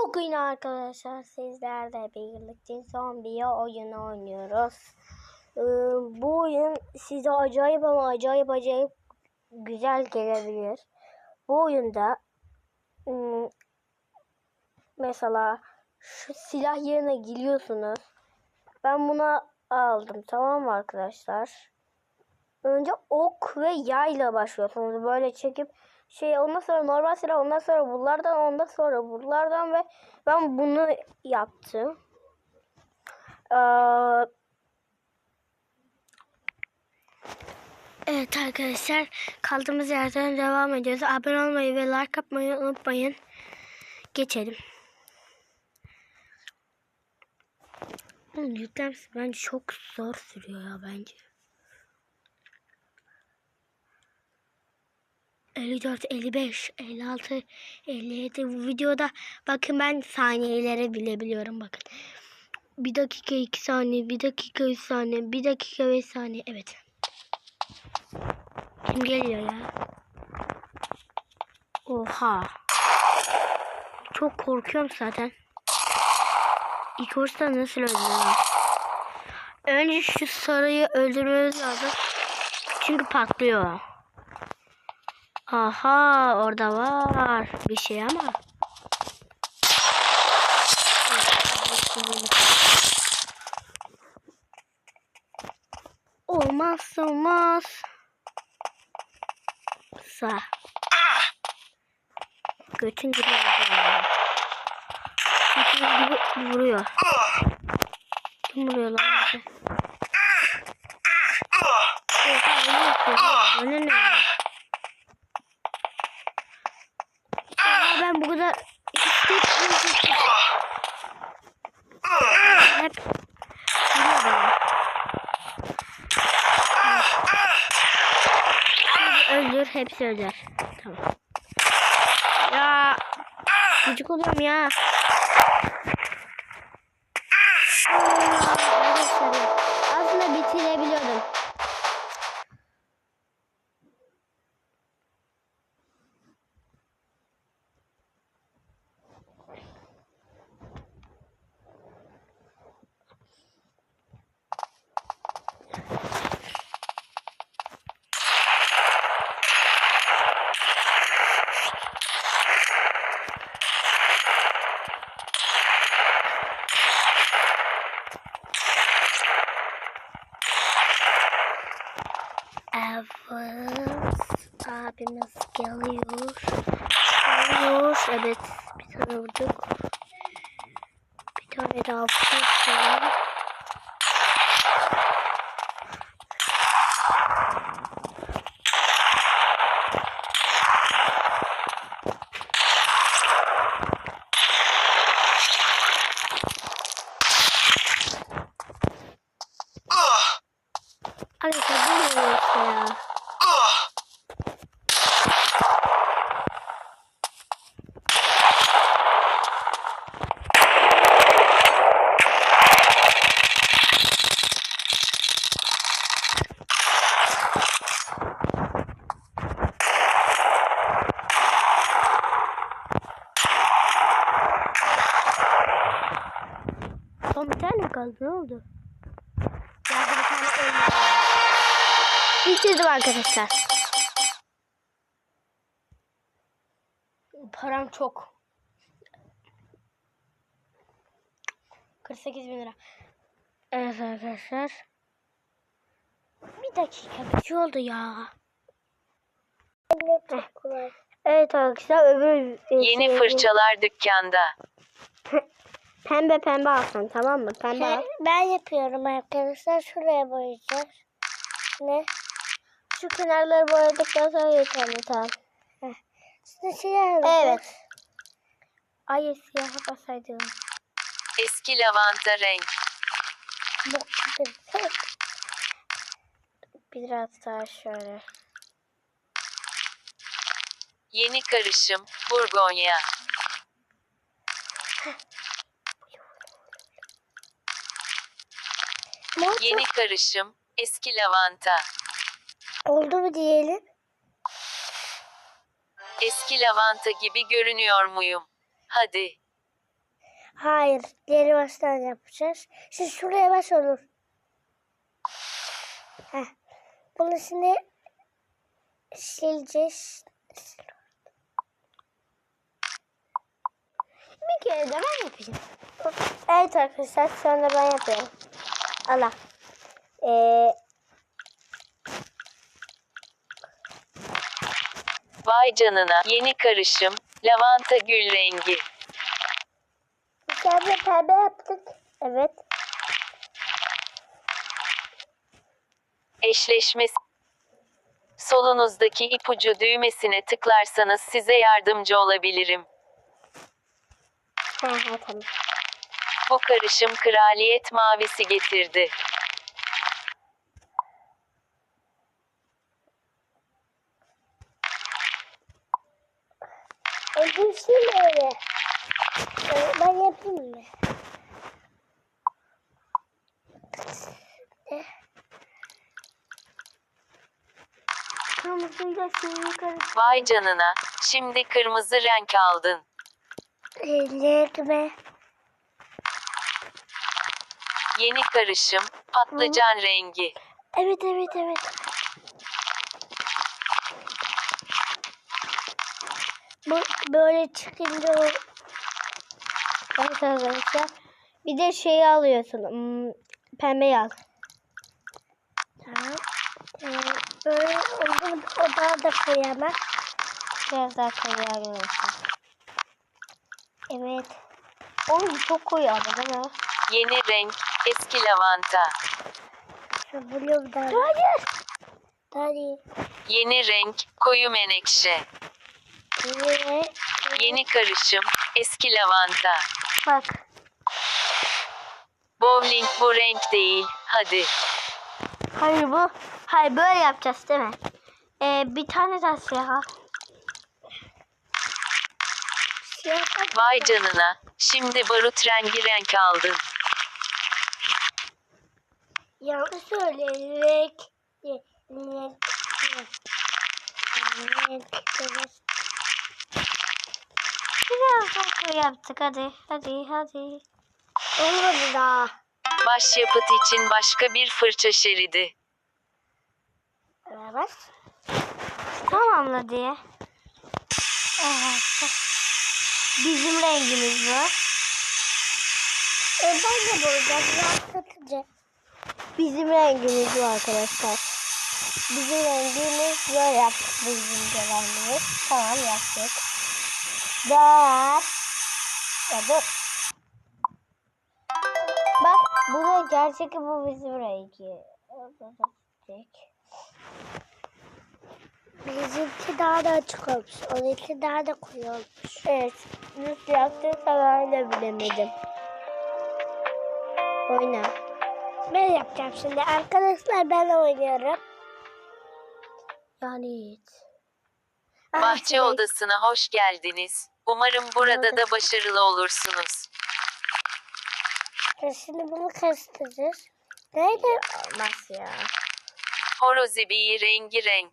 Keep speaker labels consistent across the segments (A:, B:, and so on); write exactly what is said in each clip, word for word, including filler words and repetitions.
A: Bugün arkadaşlar sizlerle birlikte zombi oyunu oynuyoruz. Ee, bu oyun size acayip ama acayip acayip güzel gelebilir. Bu oyunda ım, mesela şu silah yerine giriyorsunuz. Ben buna aldım, tamam mı arkadaşlar? Önce ok ve yayla başlıyorsunuz. Böyle çekip şey, ondan sonra normal silah, ondan sonra bunlardan, ondan sonra bunlardan ve ben bunu yaptım. Ee, evet arkadaşlar, kaldığımız yerden devam ediyoruz. Abone olmayı ve like atmayı unutmayın. Geçelim. Bunun yüklemesi bence çok zor sürüyor ya bence. elli dört, elli beş, elli altı, elli yedi. Bu videoda bakın ben saniyeleri bile biliyorum bakın. Bir dakika iki saniye, bir dakika üç saniye, bir dakika beş saniye. Evet. Kim geliyor ya? Oha. Çok korkuyorum zaten. İlk orta nasıl öldürüyor? Önce şu sarıyı öldürmemiz lazım. Çünkü patlıyor. Aha, orada var bir şey ama. Olmaz olmaz. Sağ. Götün gibi vuruyor. Götün gibi vuruyor. Kim vuruyor lan bize? Oha, ne yapıyor? Bana ne? Oha, ben bu kadar hep hep vuruyor bana. Şimdi öldür, hepsi öldür. Tamam. Ya gıcık oluyorum ya. Aslında bitirebiliyordum. Evet, abimiz geliyor. Geliyor. Evet, bir tane vurduk. Bir tane daha vurduk. Arkadaşlar bu ne işte ya? Son bir tane kaldı, ne oldu? Yardım bir tane olmadı. Bitirdim arkadaşlar. Param çok. kırk sekiz bin lira. Evet arkadaşlar. Bir dakika, bir şey oldu ya. Evet arkadaşlar, öbür
B: yeni
A: şey,
B: fırçalar dükkanda.
A: Pembe pembe alsın, tamam mı? Pembe al.
C: Ben yapıyorum arkadaşlar. Şuraya boyayacağız. Ne?
A: Şu kenarları boyadıktan sonra yeterli, tamam.
C: Şimdi siyah.
A: Evet. Ay, siyaha basaydım.
B: Eski lavanta renk.
A: Biraz daha şöyle.
B: Yeni karışım Burgonya. Yeni karışım eski lavanta.
C: Oldu mu diyelim?
B: Eski lavanta gibi görünüyor muyum? Hadi.
C: Hayır. Diğeri baştan yapacağız. Siz şuraya baş olur. Heh. Bunu şimdi sileceğiz.
A: Bir kere de ben yapacağım. Evet arkadaşlar şu anda ben yapıyorum. Allah. Ee,
B: Vay canına. Yeni karışım. Lavanta gül rengi.
C: Pembe pembe yaptık.
A: evet.
B: Eşleşmesi. Solunuzdaki ipucu düğmesine tıklarsanız size yardımcı olabilirim.
A: Ha, ha, tamam.
B: Bu karışım kraliyet mavisi getirdi.
C: Ödülsün öyle. Ee, Ben yapayım mı?
A: Kırmızıyla şeyini karıştır.
B: Vay canına. Şimdi kırmızı renk aldın.
C: Ellerime.
B: Yeni karışım. Patlıcan rengi.
C: Evet evet evet. Bu böyle çıkınca o
A: Evet arkadaşlar. Bir de şeyi alıyorsun. Hmm, pembeyi al.
C: tamam. Ee, böyle oldu o daha da koyamam.
A: Biraz daha koyu arkadaşlar.
C: Evet.
A: Oğlum çok koyu ama değil mi?
B: Yeni renk. Eski lavanta.
C: Şu blue daha.
A: Hayır.
C: Hadi.
B: Yeni renk. Koyu menekşe.
C: Yine.
B: Yeni karışım. Eski lavanta.
A: Bak.
B: Bowling bu renk değil. Hadi.
A: Hayır bu. Hayır böyle yapacağız değil mi? Ee, bir tane daha siyah al.
C: Siyah bak.
B: Vay canına. Şimdi barut rengi renk aldın.
C: Yanlış söyle. Renk. Renk. Renk. Renk. Renk.
A: Biraz daha koyu yaptık. Hadi. Hadi. Hadi.
C: Olmadı daha.
B: Başyapıt için başka bir fırça şeridi.
C: Evet.
A: Tamamla diye. Evet. Bizim rengimiz bu.
C: E ben de boyayacağım. Rahatlatıcı.
A: Bizim rengimiz bu arkadaşlar. Bizim rengimiz böyle yaptık. Bizim de rengimiz. Tamam yaptık. Dört. Ya dur. Bak bu da gerçek bu bizim rengi.
C: Bizimki daha da açık olmuş. Onunki daha da koyu olmuş.
A: Evet. Nasıl yaptıysa ben de bilemedim. Oyna.
C: Ben yapacağım şimdi. Arkadaşlar ben oynuyorum.
A: Yani hiç.
B: Bahçe odasına hoş geldiniz. Umarım burada da başarılı olursunuz.
C: E şimdi bunu karıştıracağız. Nerede?
A: Olmaz ya.
B: Horozibi rengi renk.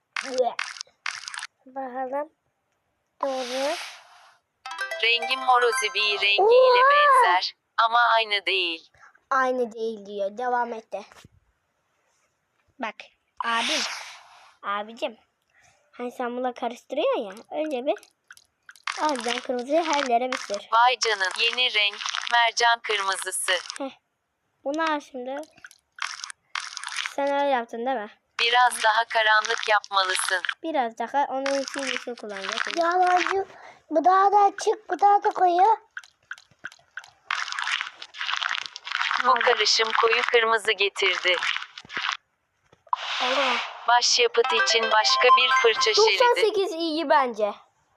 C: Bakalım. Doğru.
B: Rengim horozibi rengiyle benzer ama aynı değil.
A: Aynı değil diyor. Devam et de. Bak. Abim. Abicim. Hani sen bununla karıştırıyorsun ya. Önce bir alacaksın kırmızıyı her yere bir sür.
B: Vay canın yeni renk mercan kırmızısı.
A: Bunu al şimdi. Sen öyle yaptın değil mi?
B: Biraz daha karanlık yapmalısın.
A: Biraz daha onun için bir şey kullanacaksın.
C: Yalancı. Bu daha da açık. Bu daha da koyu.
B: Bu karışım koyu kırmızı getirdi.
A: Oldu mu?
B: Başyapıt için başka bir fırça
A: doksan
B: şeridi.
A: sekiz iyi bence.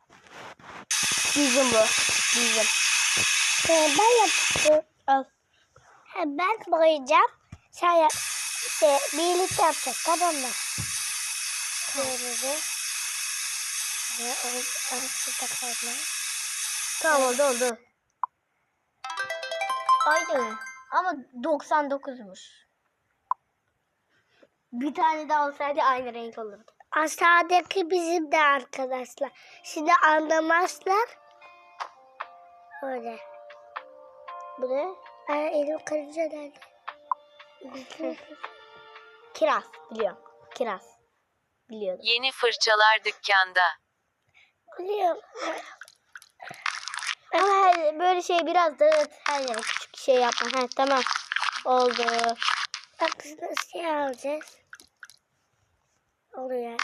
A: Bizim bu. Bizim.
C: E, ben yapacağım.
A: Al.
C: Ha, ben boyayacağım. Sen yap. İşte birlikte yapacağız. Tamam mı? Şöyle. Ve o arasında kalma.
A: Tamam oldu oldu. Aynı. Ama doksan dokuzmuş. Bir tane daha olsaydı aynı renk olurdu.
C: Aşağıdaki bizim de arkadaşlar. Şimdi anlamazlar. Öyle.
A: Bu ne?
C: Ben elim karınca nerede?
A: Kiraz. Biliyorum. Kiraz. Biliyordum.
B: Yeni fırçalar dükkanda.
C: Biliyorum.
A: Ama her, böyle şey biraz da her yere küçük şey yapma. Ha, tamam. Oldu.
C: Bak biz nasıl şey alacağız? Oluyor.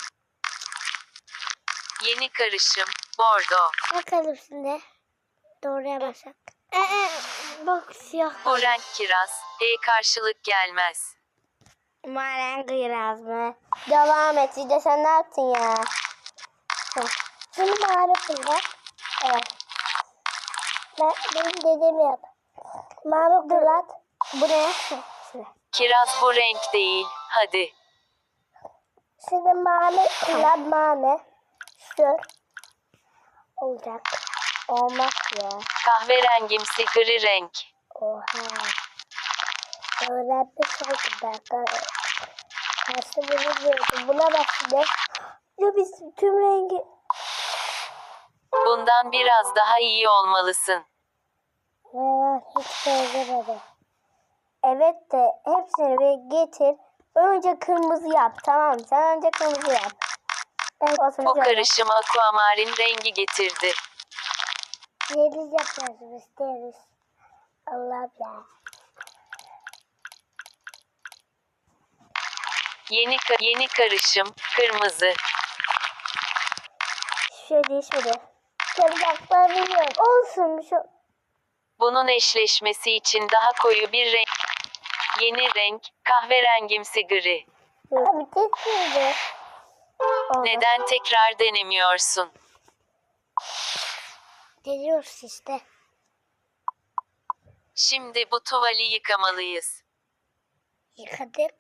B: Yeni karışım. Bordo.
C: Bakalım şimdi. Doğruya basak.
A: Ee, bak siyah.
B: Bu renk kiraz. E karşılık gelmez.
A: Maren kiraz mı? Devam et. İşte sen ne yaptın ya?
C: Şimdi mavi kullan.
A: Evet.
C: Ben, benim dediğimi yap. Mavi kullan.
A: Bu ne?
B: Kiraz bu renk değil. Hadi.
C: Şimdi mavi kullan mavi. Şu. Olacak.
A: Olmaz ya.
B: Kahverengimsi gri renk.
C: Oha. Öğrenmiş oldum ben. Karşı bunu diyordum. Buna bak şimdi.
A: Ya biz tüm rengi...
B: Bundan biraz daha iyi olmalısın.
C: Ben hiç benzemedim.
A: Evet de hepsini bir getir. Önce kırmızı yap. Tamam mı? Sen önce kırmızı yap. Evet, olsun,
B: O
A: güzel.
B: karışım aquamarin rengi getirdi.
C: Yeliz yapıyoruz isteriz. Allah'ım ya.
B: Yeni ka- yeni karışım kırmızı.
A: Hiçbir şey değişmedi.
C: Kırmaklar biliyorum.
A: Olsun bir şey.
B: Bunun eşleşmesi için daha koyu bir renk. Yeni renk kahverengimsi gri.
C: Abi kesildi.
A: Oldu.
B: Neden tekrar denemiyorsun?
C: Geliyoruz işte.
B: Şimdi bu tuvali yıkamalıyız.
C: Yıkadık.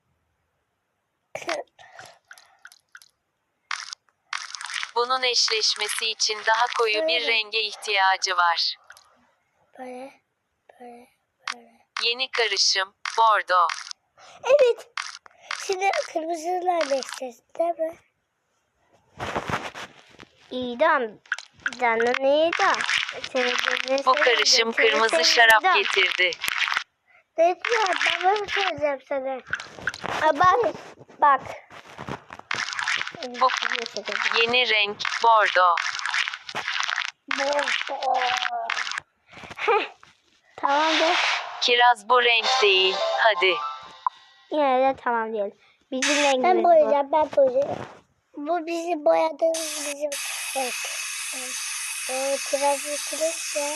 B: Bunun eşleşmesi için daha koyu bir
C: Böyle.
B: renge ihtiyacı var.
C: Böyle. Böyle. Böyle.
B: Yeni karışım bordo.
A: Evet.
C: Şimdi kırmızılar değişeceğiz değil mi?
A: İdam. Canın idam. Seni gözüne
B: Bu
A: seveyim,
B: karışım
A: seni
B: kırmızı
A: seveyim,
B: şarap
A: idam.
B: getirdi.
C: Ne diyor? Ben böyle söyleyeceğim sana.
A: Aa, bak. Bak.
B: Bu yeni renk bordo.
A: Tamam de.
B: Kiraz bu renk değil. Hadi.
A: Yine de tamam diyelim. Bizim rengimiz
C: Ben
A: bu.
C: boyayacağım, ben boyayacağım. Bu bizim boyadığımız bizim renk. O kiraz yıkılır ya.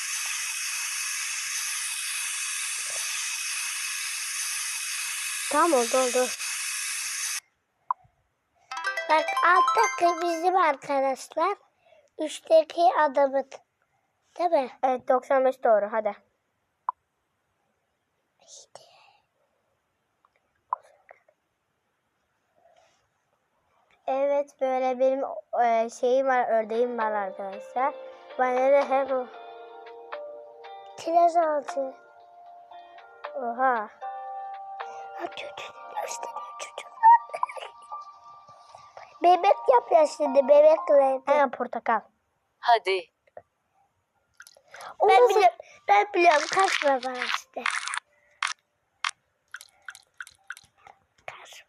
A: Tamam oldu oldu.
C: Bak alttaki bizim arkadaşlar. Üstteki adamın. Değil mi?
A: Evet doksan beş doğru hadi.
C: İşte.
A: Evet böyle benim e, şeyim var ördeğim var arkadaşlar. Bana da hep o.
C: Kiraz altı.
A: Oha.
C: Ha çocuğunu gösteriyor çocuk. Bebek yapıyor şimdi bebek rengi.
A: Hemen portakal.
B: Hadi.
C: Ben biliyorum, ben biliyorum kaçma bana işte. Kaçma.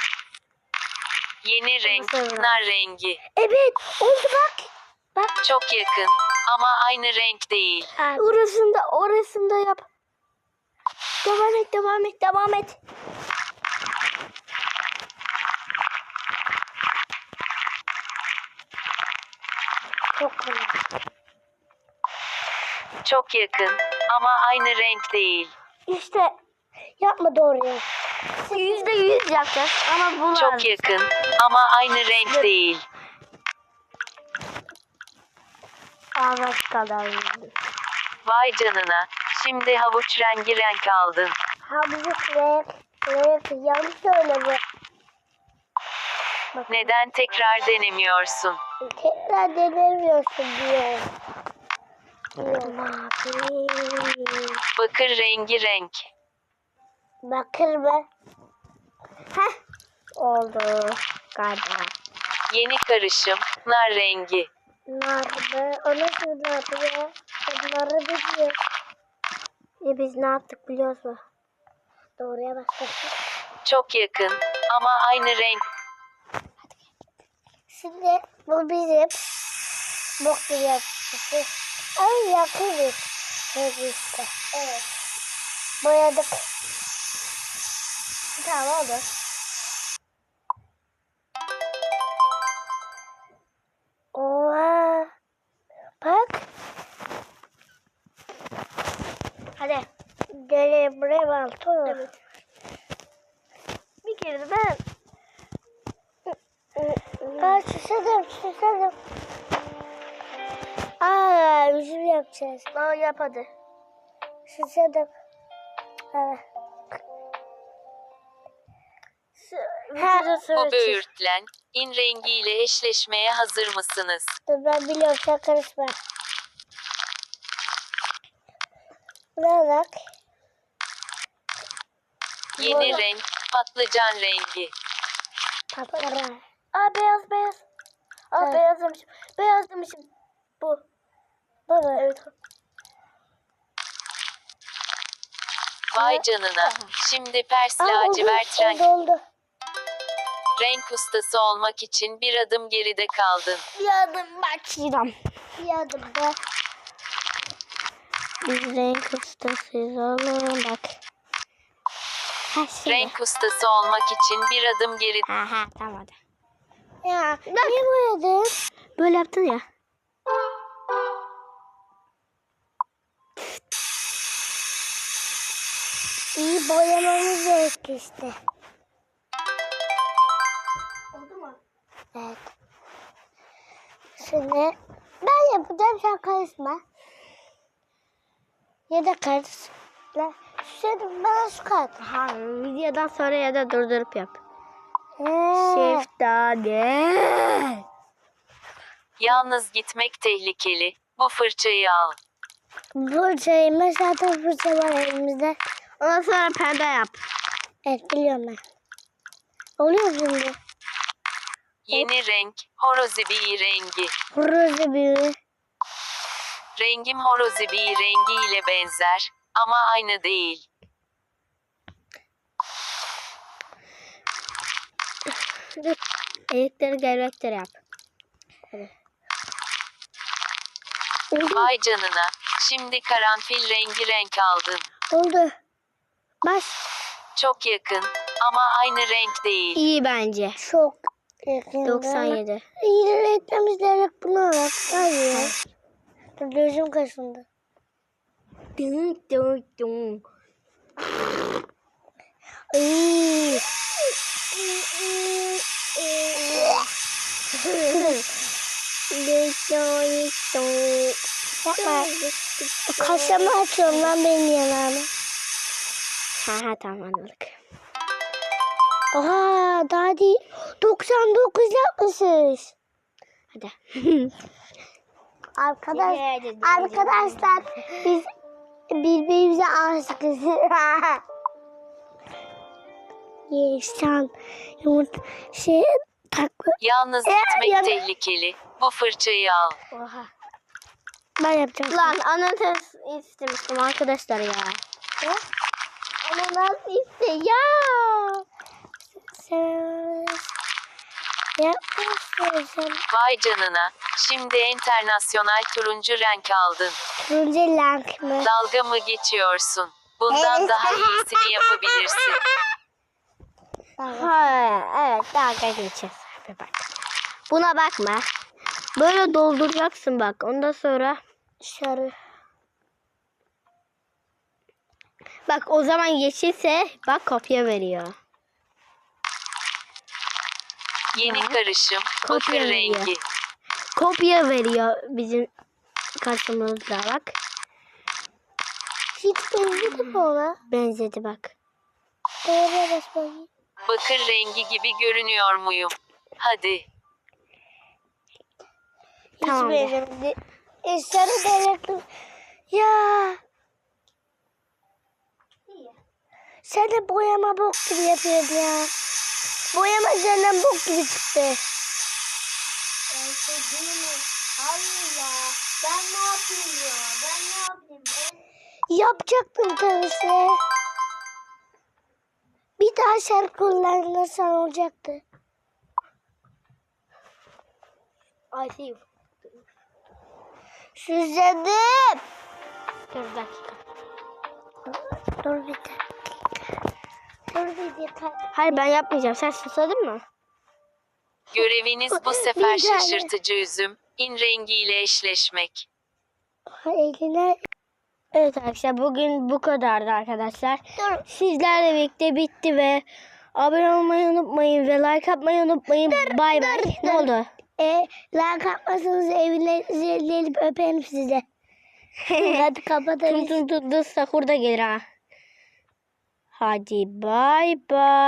B: Yeni renk
A: Nasıl
B: nar rengi.
C: Evet oldu bak. Bak.
B: Çok yakın ama aynı renk değil.
C: Aa,
A: Orasında orasında yap. Devam et devam et devam et.
C: çok kolay.
B: Çok yakın ama aynı renk değil.
A: İşte
C: Yapma doğruyu.
A: yüzde yüz yapacağız ama bu
B: Çok
A: lazım.
B: yakın ama aynı renk değil.
A: Ağzak kadar yüzdü.
B: Vay canına. Şimdi havuç rengi renk aldın.
C: Hamzık renk. Renk yanlış söyle bu.
B: Neden tekrar denemiyorsun?
C: Tekrar denemiyorsun diyor. Diyor. Mavi.
B: Bakır rengi renk.
C: Bakır mı?
A: Heh. Oldu galiba.
B: Yeni karışım nar rengi.
C: Nar mı? O nasıl nar ya? Ben narı biliyorum.
A: E biz ne yaptık biliyor musun?
C: Doğruya başladık.
B: Çok yakın ama aynı renk.
C: Şimdi bu bizim bok gibi yaptık. Ay yakıyoruz. Evet işte. Evet. Boyadık.
A: Tamam oldu.
C: Oha. Bak.
A: Hadi.
C: Gel buraya bak.
A: Evet. Bir kere de ben.
C: Aa susadım susadım. Aa üzüm yapacağız.
A: Aa, yap hadi.
C: Susadım. Ha.
A: Vücuda sıra
B: Bu
A: çiz.
B: böğürtlen, in rengiyle eşleşmeye hazır mısınız?
C: Dur ben biliyorum sen karışma. Buna bak.
B: Yeni
C: Böyle.
B: renk, patlıcan rengi.
C: Papara.
A: Aa, beyaz beyaz. Aa,
C: Ha.
A: beyaz demişim. Beyaz demişim. Bu.
C: Baba.
A: Evet.
B: Vay canına. Şimdi Pers
C: Aa, oldu,
B: lacivert renk.
C: oldu, oldu.
B: Renk ustası olmak için bir adım geride kaldın.
A: Bir adım başlayacağım.
C: Bir adım da.
A: Biz renk ustasıyız oğlum bak. Ha şimdi.
B: Renk ustası olmak için bir adım geride.
A: Ha ha tamam hadi.
C: Ya niye boyadın?
A: Böyle yaptın ya.
C: İyi boyamamız gerekti işte.
A: Oldu mu?
C: Evet. Şimdi ben yapacağım sen karışma. Ya da karışma. Şimdi bana su kat.
A: Ha, videodan sonra ya da durdurup yap.
C: Ee,
A: Şeftali.
B: Yalnız gitmek tehlikeli. Bu fırçayı al.
C: fırçayı zaten fırça var elimizde.
A: Ondan sonra pembe yap.
C: Evet biliyorum ben. Oluyor mu şimdi?
B: Yeni renk, horozibi rengi.
C: Horozu büyüğü.
B: Rengim horozibi rengi ile benzer ama aynı değil.
A: Dur. Elikleri gerektir yap.
B: Vay canına. Şimdi karanfil rengi renk aldın.
C: Oldu. Baş.
B: Çok yakın ama aynı renk değil.
A: İyi bence.
C: Çok yakında.
A: doksan yedi.
C: İyi etmemiz gerek bunu alak. Hayır. Dur gözüm kaşındı.
A: Dın dın dın.
C: Ay. Yapma. Kaşımı açıyorum lan benim yanağımı.
A: Ha ha tamam anladık.
C: Oha daha değil. doksan dokuz yapmışız.
A: Hadi.
C: Arkadaş, arkadaşlar biz birbirimize aşıkız. Yeşan yumurta şey taklı.
B: Yalnız
C: Ee,
B: gitmek
C: ya-
B: tehlikeli. Bu fırçayı al.
A: Oha.
C: Ben yapacağım.
A: Lan ananas istemiştim arkadaşlar ya.
C: Ne?
A: Ananas iste ya.
C: Sen yapmışsın sen.
B: Vay canına. Şimdi internasyonal turuncu renk aldın.
C: Turuncu renk mi?
B: Dalga mı geçiyorsun? Bundan
C: Evet.
B: daha iyisini yapabilirsin.
A: Ha, evet dalga geçeceğiz. Bir bak. Buna bakma. Böyle dolduracaksın bak. Ondan sonra
C: Sarı.
A: bak o zaman yeşilse bak kopya veriyor.
B: Yeni
A: Ya.
B: karışım.
A: Kopya
B: Bakır
A: veriyor.
B: rengi.
A: Kopya veriyor bizim karşımızda bak.
C: Hiç benzedi mi ona?
A: Benzedi bak.
C: Oraya bas bakayım.
B: Bakır rengi gibi görünüyor muyum? Hadi.
C: Hiç
A: Tamam de.
C: benzemedi. E, sarı denektim. Ya. Sen de boyama bok gibi yapıyordun ya. Boyama senden bok gibi çıktı.
A: Hayır ya. Ben ne yapayım ya? Ben ne yapayım?
C: Yapacaktım tabii. Bir daha şarkı kullanırsan olacaktı.
A: I see you.
C: Süzledim.
A: Dur bir dakika.
C: Dur bir dakika. Dur bir dakika.
A: Hayır ben yapmayacağım. Sen susadın mı?
B: Göreviniz bu
C: Bir
B: sefer
C: tane.
B: şaşırtıcı üzüm, in rengiyle eşleşmek.
C: Eline
A: Evet arkadaşlar bugün bu kadardı arkadaşlar.
C: dur.
A: Sizlerle birlikte bitti ve abone olmayı unutmayın ve like atmayı unutmayın. Bay bay. Ne oldu?
C: E, like atmasanız evlerinizi gelip öperim size. Hadi
A: Tun
C: kapatırız.
A: tun tun tun sahur da gelir ha. Hadi bay bay.